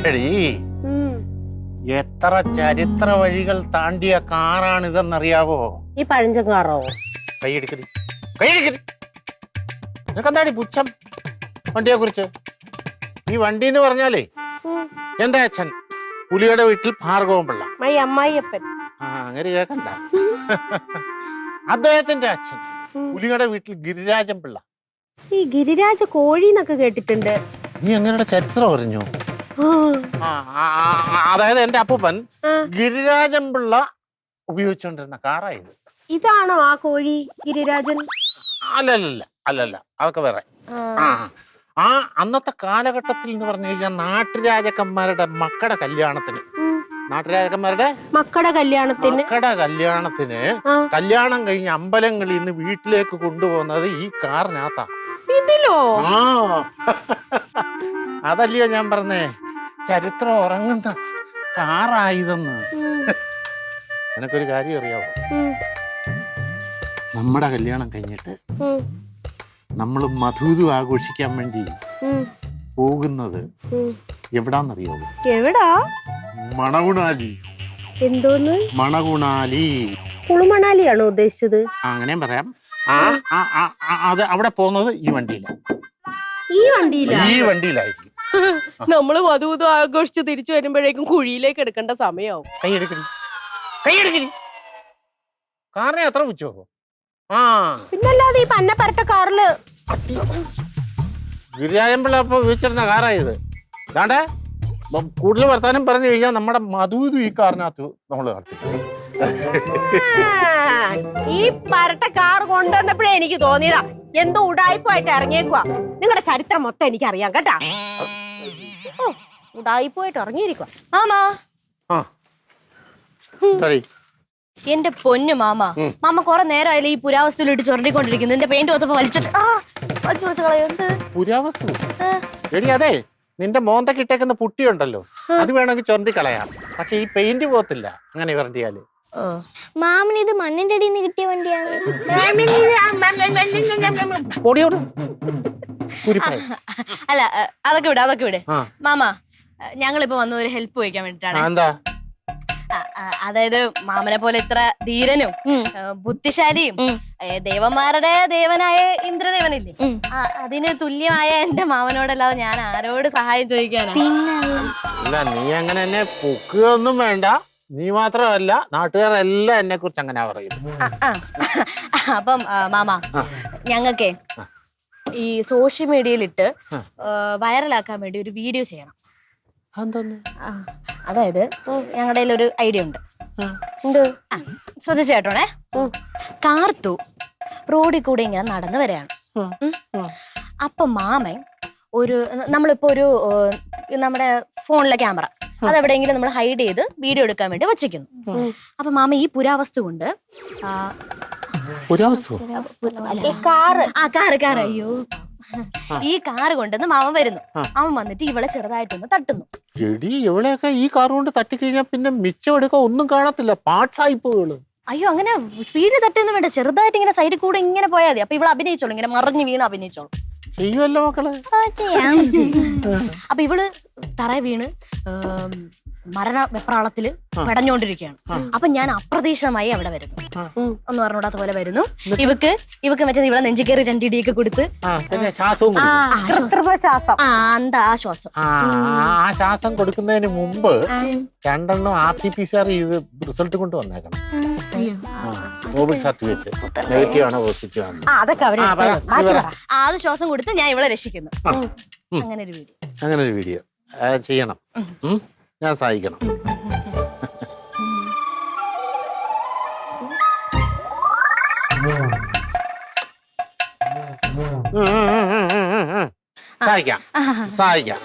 എടീ, എത്ര ചരിത്ര വഴികൾ താണ്ടിയ കാറാണിതെന്നറിയാവോ? ഈ പഴഞ്ചൻ കാറോ? കൈയെടുക്കടി, കൈയെടുക്കടി. നിനക്കെന്താടി പുച്ഛം വണ്ടിയെ കുറിച്ച്? ഈ വണ്ടി എന്ന് പറഞ്ഞാലേ എന്റെ അച്ഛൻ പുലിയുടെ വീട്ടിൽ ഭാർഗവൻ പിള്ള, അമ്മായിയപ്പൻ. അങ്ങനെ കേക്കണ്ട. അദ്ദേഹത്തിന്റെ അച്ഛൻ പുലിയുടെ വീട്ടിൽ ഗിരിരാജൻ പിള്ള. ഈ ഗിരിരാജ കോഴി എന്നൊക്കെ കേട്ടിട്ടുണ്ട്. നീ എങ്ങനെ ചരിത്രം അറിഞ്ഞു? അതായത് എന്റെ അപ്പൂപ്പൻ ഗിരിരാജൻ പിള്ള ഉപയോഗിച്ചോണ്ടിരുന്ന കാറായത്. ഇതാണോ ആ കോഴി ഗിരിരാജൻ? അല്ലല്ല അല്ലല്ല, അതൊക്കെ വേറെ. ആ അന്നത്തെ കാലഘട്ടത്തിൽ എന്ന് പറഞ്ഞു കഴിഞ്ഞാൽ നാട്ടുരാജക്കന്മാരുടെ മക്കളുടെ കല്യാണത്തിന് കല്യാണം കഴിഞ്ഞ് അമ്പലങ്ങളിൽ നിന്ന് വീട്ടിലേക്ക് കൊണ്ടുപോകുന്നത് ഈ കാറിനകത്താ. ഇതിലോ? ആ അതല്ലയോ ഞാൻ പറഞ്ഞേ, ചരിത്രം ഉറങ്ങുന്ന കാറായതെന്ന്. എനക്കൊരു കാര്യം അറിയാവോ? നമ്മുടെ കല്യാണം കഴിഞ്ഞിട്ട് നമ്മൾ മധുവിധു ആഘോഷിക്കാൻ വേണ്ടി പോകുന്നത് എവിടാന്നറിയാവോ? എവിടാ? മണകുണാലി. എന്തോന്ന് മണകുണാലി? കുളുമണാലിയാണോ ഉദ്ദേശിച്ചത്? അങ്ങനെയും പറയാം. അത് അവിടെ പോകുന്നത് ഈ വണ്ടിയിലാണ്. ഈ വണ്ടിയിലായിരിക്കും. നമ്മള് മധുവിധു ആഘോഷിച്ച് തിരിച്ചു വരുമ്പോഴേക്കും കുഴിയിലേക്ക് എടുക്കേണ്ട സമയമാവും. കൈയെടുക്കണി, കൈയെടുക്കണി. കാറിനെ എത്ര വെച്ചോ? പിന്നല്ലാതെ ഈ പന്ന പരട്ട കാറില് ഗിരിരാജൻപിള്ള ഇപ്പൊ ഉപയോഗിച്ചിരുന്ന കാറായത്. അതാണ്ടേ കൂടുതൽ വർത്താനം പറഞ്ഞു കഴിഞ്ഞാൽ നമ്മുടെ മധുവിധു ഈ കാറിനകത്ത് നമ്മള് നടത്തി. ഈ പരട്ട കാർ കൊണ്ടുവന്നപ്പോഴേ എനിക്ക് തോന്നിയതാ എന്തോ ഉടായിപ്പായിട്ട് ഇറങ്ങിയേക്കുവാ. നിങ്ങളുടെ ചരിത്രം മൊത്തം എനിക്കറിയാം കേട്ടാ. ഓ, ഉടായിപ്പായിട്ട് ഇറങ്ങിയിരിക്കുവാ. മാമാ, എന്റെ പൊന്നു മാമ, മാമ കൊറേ നേരമായാലും ഈ പുരാവസ്തുവിലിട്ട് ചൊരണ്ടിക്കൊണ്ടിരിക്കുന്നു. എന്റെ പെയിന്റ് ഒത്തപ്പോ വലിച്ചിട്ട് വലിച്ചു കളയുന്നത്. പുരാവസ്തു എടി, അതെ നിന്റെ മോന്തക്ക് ഇട്ടേക്കുന്ന പുട്ടിയുണ്ടല്ലോ, അത് വേണമെങ്കിൽ ചൊരണ്ടി കളയാം. പക്ഷെ ഈ പെയിന്റ് പോകത്തില്ല അങ്ങനെ വരണ്ടിയാല്. മാമന് ഇത് മണ്ണിന്റെ അടിയിൽ നിന്ന് കിട്ടിയ വണ്ടിയാണ്. അല്ല, അതൊക്കെ വിട് മാമ. ഞങ്ങളിപ്പോ വന്ന ഒരു ഹെൽപ്പ് ചോദിക്കാൻ വേണ്ടിട്ടാണ്. അതായത് മാമനെ പോലെ ഇത്ര ധീരനും ബുദ്ധിശാലിയും ദേവന്മാരുടെ ദേവനായ ഇന്ദ്രദേവനില്ലേ, അതിന് തുല്യമായ എന്റെ മാമനോടല്ലാതെ ഞാൻ ആരോട് സഹായം ചോദിക്കാനാ? നീ അങ്ങനെ എന്നെ പൊക്കുകയൊന്നും വേണ്ട. നീ മാത്രമല്ല, നാട്ടുകാരെല്ലാം എന്നെ കുറിച്ച് അങ്ങനെ പറയുന്നു. അപ്പം മാമ, ഞങ്ങൾക്കേ ഈ സോഷ്യൽ മീഡിയയിലിട്ട് വൈറലാക്കാൻ വേണ്ടി ഒരു വീഡിയോ ചെയ്യണം. അതായത് ഞങ്ങളുടെ ഒരു ഐഡിയ ഉണ്ട്. ശ്രദ്ധിച്ചു കേട്ടോണേ. കാർത്തു റോഡിൽ കൂടെ ഇങ്ങനെ നടന്നു വരികയാണ്. അപ്പൊ മാമൻ നമ്മളിപ്പോ നമ്മുടെ ഫോണിലെ ക്യാമറ അതെവിടെയെങ്കിലും നമ്മൾ ഹൈഡ് ചെയ്ത് വീഡിയോ എടുക്കാൻ വേണ്ടി വച്ചിരിക്കുന്നു. അപ്പൊ മാമ ഈ പുരാവസ്തു കൊണ്ട് അയ്യോ ഈ കാറ് കൊണ്ടെന്ന് മാമൻ വരുന്നു. അവൻ വന്നിട്ട് ഇവളെ ചെറുതായിട്ടൊന്ന് തട്ടുന്നു. ഇവളെയൊക്കെ ഈ കാർ കൊണ്ട് തട്ടിക്കഴിഞ്ഞാൽ പിന്നെ മിച്ചം എടുക്കാൻ ഒന്നും കാണത്തില്ല, പാർട്സ് ആയിപ്പോള്. അയ്യോ, അങ്ങനെ സ്പീഡിൽ തട്ടൊന്നും വേണ്ട, ചെറുതായിട്ട് ഇങ്ങനെ സൈഡിൽ കൂടെ ഇങ്ങനെ പോയാൽ മതി. അപ്പൊ ഇവള് അഭിനയിച്ചോളൂ, ഇങ്ങനെ മറിഞ്ഞു വീണ് അഭിനയിച്ചോളൂ. ചെയ്യുമല്ലോ മക്കള്. അപ്പൊ ഇവള് തറ വീണ് മരണ വെപ്രാളത്തില് പെടഞ്ഞോണ്ടിരിക്കുകയാണ്. അപ്പൊ ഞാൻ അപ്രതീക്ഷിതമായി അവിടെ വരുന്നു. ഒന്ന് പറഞ്ഞോടാത്ത പോലെ വരുന്നു. ഇവക്ക് മറ്റേ ഇവിടെ നെഞ്ചി കയറി രണ്ടിടിയൊക്കെ കൊടുത്ത് ശ്വാസം കൊടുക്കുന്നതിന് മുമ്പ് 2 RT-PCR ചെയ്ത് റിസൾട്ട് കൊണ്ട് വന്നേക്കണം. കോവിഡ് സർട്ടിഫിക്കറ്റ് നെഗറ്റീവ് ആണോ പോസിറ്റീവ് ആണോ? അത് ശ്വാസം കൊടുത്ത് ഞാൻ ഇവളെ രക്ഷിക്കുന്നു. അങ്ങനെ ഒരു വീഡിയോ ചെയ്യണം. ഞാൻ സഹായിക്കണം. സഹായിക്കാം.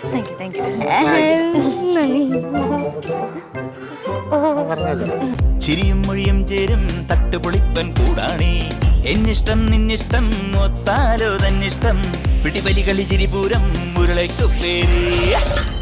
ചിരിയും മൊഴിയും ചേരും തട്ടുപൊളിപ്പൻ കൂടാണേ. എന്നിഷ്ടം നിന്നിഷ്ടം ഒത്താലോ തന്നിഷ്ടം. പിടിപലി കളി ചിരിപൂരം മുരളയ്ക്കു പേര്.